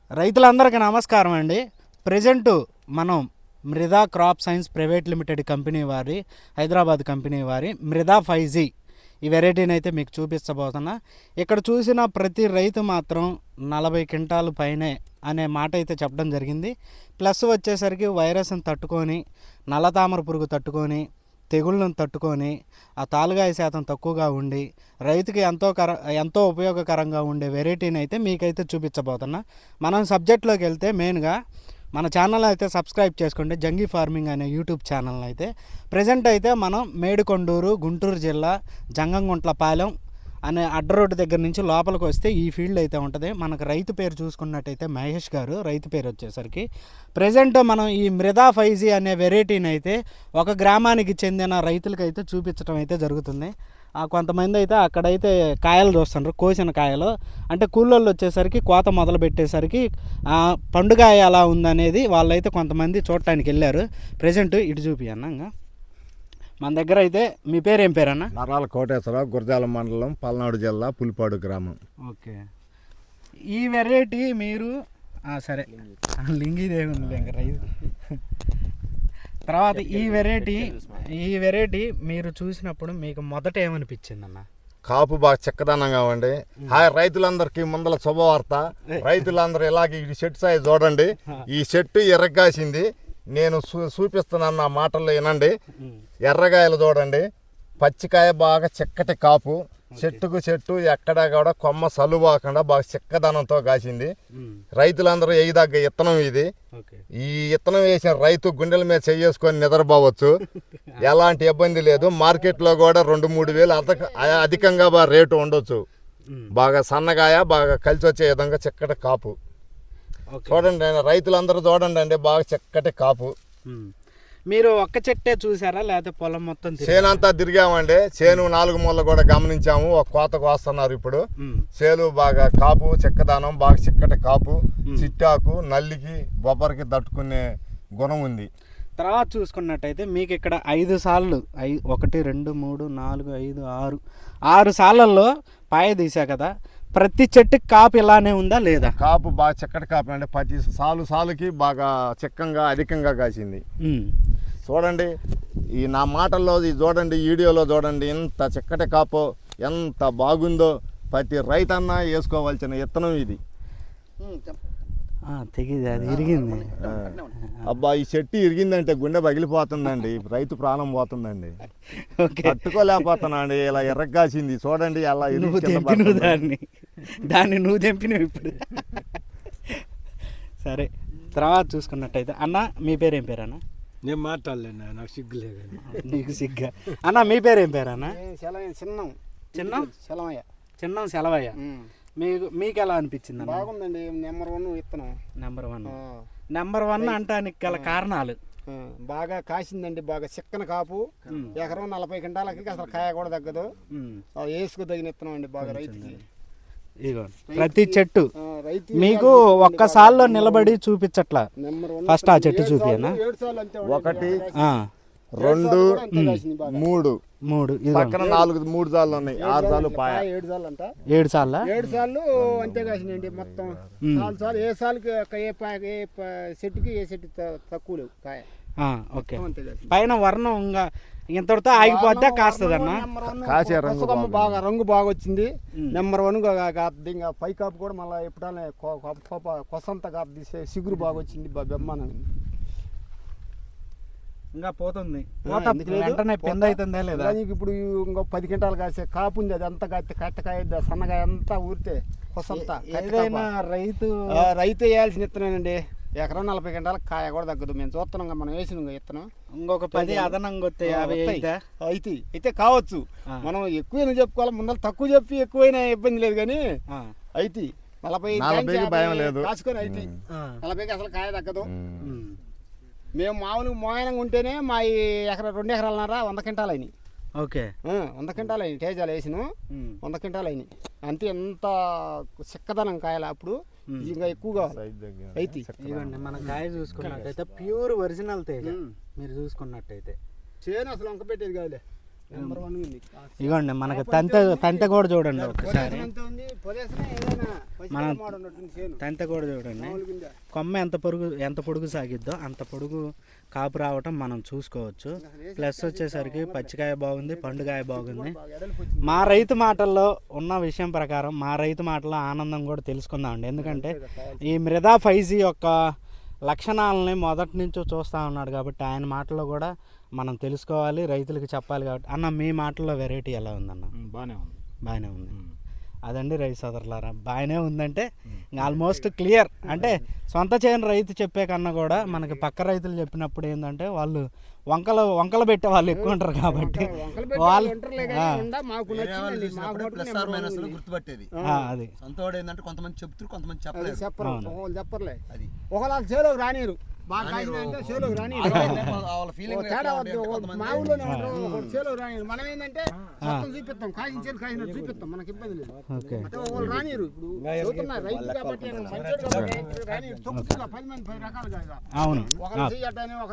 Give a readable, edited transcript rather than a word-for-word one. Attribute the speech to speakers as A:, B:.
A: రైతులందరికీ నమస్కారం అండి. ప్రజెంటు మనం Mruda crop science private limited company వారి హైదరాబాద్ కంపెనీ వారి మృదా 5G ఈ వెరైటీని అయితే మీకు చూపించబోతున్నా. ఇక్కడ చూసిన ప్రతి రైతు మాత్రం 40 క్వింటాలు పైనే అనే మాట అయితే చెప్పడం జరిగింది. ప్లస్ వచ్చేసరికి వైరస్ని తట్టుకొని, నల్లతామర పురుగు తట్టుకొని, తెగుళ్ళను తట్టుకొని, ఆ తాలుగాయ శాతం తక్కువగా ఉండి రైతుకి ఎంతో ఉపయోగకరంగా ఉండే వెరైటీని అయితే మీకైతే చూపించబోతున్నా. మనం సబ్జెక్ట్లోకి వెళ్తే మెయిన్గా మన ఛానల్ అయితే సబ్స్క్రైబ్ చేసుకోండి, జంగీ ఫార్మింగ్ అనే యూట్యూబ్ ఛానల్ అయితే. ప్రజెంట్ అయితే మనం మేడికొండూరు, గుంటూరు జిల్లా, జంగంగుంట్లపాలెం అనే అడ్డ రోడ్డు దగ్గర నుంచి లోపలికి వస్తే ఈ ఫీల్డ్ అయితే ఉంటుంది. మనకు రైతు పేరు చూసుకున్నట్టయితే మహేష్ గారు, రైతు పేరు వచ్చేసరికి. ప్రజెంట్ మనం ఈ మృదా 5G అనే వెరైటీని అయితే ఒక గ్రామానికి చెందిన రైతులకైతే చూపించడం అయితే జరుగుతుంది. కొంతమంది అయితే అక్కడైతే కాయలు చూస్తున్నారు, కోసిన కాయలు. అంటే కూలోళ్ళు వచ్చేసరికి కోత మొదలు పెట్టేసరికి పండుగ ఎలా ఉందనేది వాళ్ళైతే కొంతమంది చూడటానికి వెళ్ళారు. ప్రజెంట్ ఇటు చూపియన్నా మన దగ్గర అయితే. మీ పేరు ఏం పేరన్నా?
B: నరాల కోటేశ్వరరావు, గురజాల మండలం, పల్నాడు జిల్లా, పులిపాడు గ్రామం.
A: ఓకే. ఈ వెరైటీ మీరు సరే లింగిదేవుంది ఇంకా రైతు. తర్వాత ఈ వెరైటీ మీరు చూసినప్పుడు మీకు మొదట ఏమనిపించింది అన్న?
B: కాపు బాగా చిక్కదనంగా ఉండి. రైతులందరికీ ముందల శుభవార్త. రైతులందరూ ఇలాగే ఈ చెట్టు సాయి చూడండి. ఈ చెట్టు ఎర్రగాసింది. నేను చూపిస్తున్నాను, నా మాటల్లో వినండి. ఎర్రగాయలు చూడండి, పచ్చికాయ బాగా చిక్కటి కాపు, చెట్టుకు చెట్టు ఎక్కడా కూడా కొమ్మ సలువాకుండా బాగా చిక్కదనంతో కాసింది. రైతులందరూ వేయదగ్గ ఇత్తనం ఇది. ఈ ఇత్తనం వేసిన రైతు గుండెల మీద చేసుకొని నిద్రపోవచ్చు, ఎలాంటి ఇబ్బంది లేదు. మార్కెట్లో కూడా 2-3 వేలు అధికంగా రేటు ఉండొచ్చు. బాగా సన్నగాయ, బాగా కలిసి వచ్చే విధంగా చిక్కటి కాపు చూడండి. రైతులందరూ చూడండి అండి, బాగా చిక్కటి కాపు.
A: మీరు ఒక్క చెట్టే చూసారా లేకపోతే పొలం మొత్తం?
B: చేను అంతా తిరిగామండి. చేను 4 మూలలు కూడా గమనించాము. ఒక కోత కోస్తున్నారు ఇప్పుడు. చేను బాగా కాపు, చిక్కదానం, బాగా చిక్కటి కాపు, చిట్టాకు, నల్లికి, బొబ్బరికి తట్టుకునే గుణం ఉంది.
A: తర్వాత చూసుకున్నట్టయితే మీకు ఇక్కడ 5 సార్లు 1, 2, 3, 4, 5, 6 సార్లలో పాయ తీసా కదా. ప్రతి చెట్టుకి కాపు ఇలానే ఉందా లేదా?
B: కాపు బాగా చిక్కటి కాపు అండి. ప్రతి సాలుకి బాగా చిక్కంగా అధికంగా కాసింది. చూడండి, ఈ నా మాటల్లో చూడండి, వీడియోలో చూడండి, ఎంత చిక్కటి కాపో, ఎంత బాగుందో. ప్రతి రైతన్నా వేసుకోవాల్సిన విత్తనం ఇది.
A: తెగింది, అది ఇరిగింది.
B: అబ్బా, ఈ చెట్టు ఇరిగిందంటే గుండె పగిలిపోతుందండి, రైతు ప్రాణం పోతుందండి. తట్టుకోలేకపోతున్నా అండి. ఇలా ఎర్రగాసింది చూడండి, అలా
A: దాన్ని నువ్వు తెంపినవు ఇప్పుడు. సరే, తర్వాత చూసుకున్నట్టయితే అన్న, మీ పేరు ఏం పేరు అన్న?
C: నేను మాట్లాడలేను, నాకు సిగ్గులే.
A: నీకు సిగ్గా? అన్న మీ పేరు ఏం పేరు అన్న? చిన్నం సెలవయ్య. మీకు ఎలా అనిపించింది?
D: బాగుందండి. నెంబర్ 1 విత్తనం.
A: నెంబర్ 1 అంటానికి గల కారణాలు?
D: బాగా కాసిందండి, బాగా చిక్కన కాపు. ఎకరం 40 క్వింటాలకి అసలు కాయ కూడా తగ్గదు. వేసుకు తగిన విత్తనం అండి బాగా రైతుకి.
A: ప్రతి చెట్టు మీకు ఒక్కసారిలో నిలబడి చూపించట్లా. ఫస్ట్ ఆ చెట్టు చూపియనా?
B: 1, 2, 3 పక్కన 4 3 సార్లు ఉన్నాయి. 6 సార్లు పాయ.
D: 7 సార్లు అంట.
A: 7 సార్లు
D: 7 సార్లు అంతే కాసినండి మొత్తం. 4 సార్లు ఏ సార్కి ఏ చెట్టుకి ఏ చెట్టు తక్కువ లేవు కాయ.
A: ఓకే. పైన వర్ణం ఇంకా ఇంతటితో ఆగిపోద్దా కాస్తుంది అన్న?
B: కాసే రంగు
D: బాగా రంగు బాగా వచ్చింది. నెంబర్ 1 ఇంకా పై కాపు కూడా మళ్ళీ ఎప్పుడైనా కొసంత కాపు తీసే సిగురు బాగా వచ్చింది. బెమ్మానం
A: ఇంకా పోతుంది, వెంటనే పెంద అవుతుందా లేదా?
D: ఇప్పుడు ఇంకో 10 క్వింటాలు కాసే కాపు ఉంది. అది అంతా కట్టకాయ సన్నగాయ అంతా ఊరితే కొసంతా.
A: ఏదైనా రైతు
D: వేయాల్సిన విత్తనేనండి. ఎకరం 40 క్వింటాలకు కాయ కూడా తగ్గదు. మేము చూస్తున్నాం, మనం వేసిన విత్తనం
A: ఇంకొక 10 అదనంగా వస్తే 50
D: అయితే కావచ్చు. మనం ఎక్కువైనా చెప్పుకోవాలి, ముందర తక్కువ చెప్పి ఎక్కువైనా ఇబ్బంది లేదు. కానీ అయితే 40
B: భయం లేదు,
D: కాసుకొని అయితే 40కి అసలు కాయ తగ్గదు. మేము మామూలుగా మోయనంగా ఉంటేనే మా ఈ 2 ఎకరాలన్నర 100 క్వింటాలు అయినాయి.
A: ఓకే,
D: 100 క్వింటాలు అయినాయి. తేజాలు వేసిన 100 క్వింటాలు అయినాయి. అంతే, ఎంత చిక్కదనం కాయలు. అప్పుడు ఇంకా ఎక్కువగా అయితే
A: ఇవ్వండి. మన కాయ చూసుకున్నట్టయితే ప్యూర్ ఒరిజినల్ తేజ. మీరు చూసుకున్నట్టయితే
D: చేను అసలు వంక పెట్టేది కాదులే. నెంబర్ 1 ఉంది.
A: ఇగోండి మనకి తంతె కూడా చూడండి ఒకసారి.
D: ఎంత ఉంది పొదేసినా ఏదైనా
A: మనం
D: మాట ఉన్నట్టుంది చేను.
A: తంతె కూడా చూడండి.
D: మామూలుగా
A: కొమ్మ ఎంత పొడుగు సాగిద్దో అంత పొడుగు కాపు రావటం మనం చూసుకోవచ్చు. ప్లస్ వచ్చేసరికి పచ్చికాయ బాగుంది, పండుగాయ బాగుంది.
D: బాగా ఎడల్పు వచ్చింది.
A: మా రైతు మాటల్లో ఉన్న విషయం ప్రకారం మా రైతు మాటల్లో ఆనందం కూడా తెలుసుకుందామండి. ఎందుకంటే ఈ మృదా 5G యొక్క లక్షణాలని మొదటి నుంచి చూస్తూ ఉన్నాడు కాబట్టి ఆయన మాటల్లో కూడా మనం తెలుసుకోవాలి, రైతులకు చెప్పాలి. కాబట్టి అన్న మీ మాటల్లో వెరైటీ ఎలా ఉందన్న? బాగానే ఉంది. అదండి రైతు సోదరులారా, బాగానే ఉందంటే ఆల్మోస్ట్ క్లియర్. అంటే సొంత చేయని రైతు చెప్పే కన్నా కూడా మనకి పక్క రైతులు చెప్పినప్పుడు ఏంటంటే వాళ్ళు వంకలు పెట్టే వాళ్ళు ఎక్కువ ఉంటారు కాబట్టి వాళ్ళు
D: మాకు నచ్చిందండి. మాకు మటుకు
E: గుర్తుపట్టేది
A: అది
E: సొంతవాడు ఏంటంటే కొంతమంది చెప్తారు, కొంతమంది చెప్పలేదు.
D: చెప్పరు, ఒకళ్ళు చెప్పర్లే. అది ఒకళ్ళ చేలోకి రానిరు, బాగా కాసిందంటే చేలోకి రానిరు.
E: వాళ్ళ ఫీలింగ్
D: తేడా వద్దు. మా ఊళ్ళోనే ఉంటారు, ఒకళ్ళు చేలోకి రానిరు. మనం ఏంటంటే మొత్తం చూపిస్తాం, కాసినట్టు చూపిస్తాం, మనకి ఇబ్బంది లేదు.
A: ఓకే.
D: అంటే ఒకళ్ళు రానిరు. ఇప్పుడు చదువుతున్నా రైతు కాబట్టి మంచోడు కాబట్టి రానిరు. తొక్కుతున్నా 10 మంది 10 రకాలుగా.
A: అవును.
D: ఒకళ్ళు చెయ్యటానే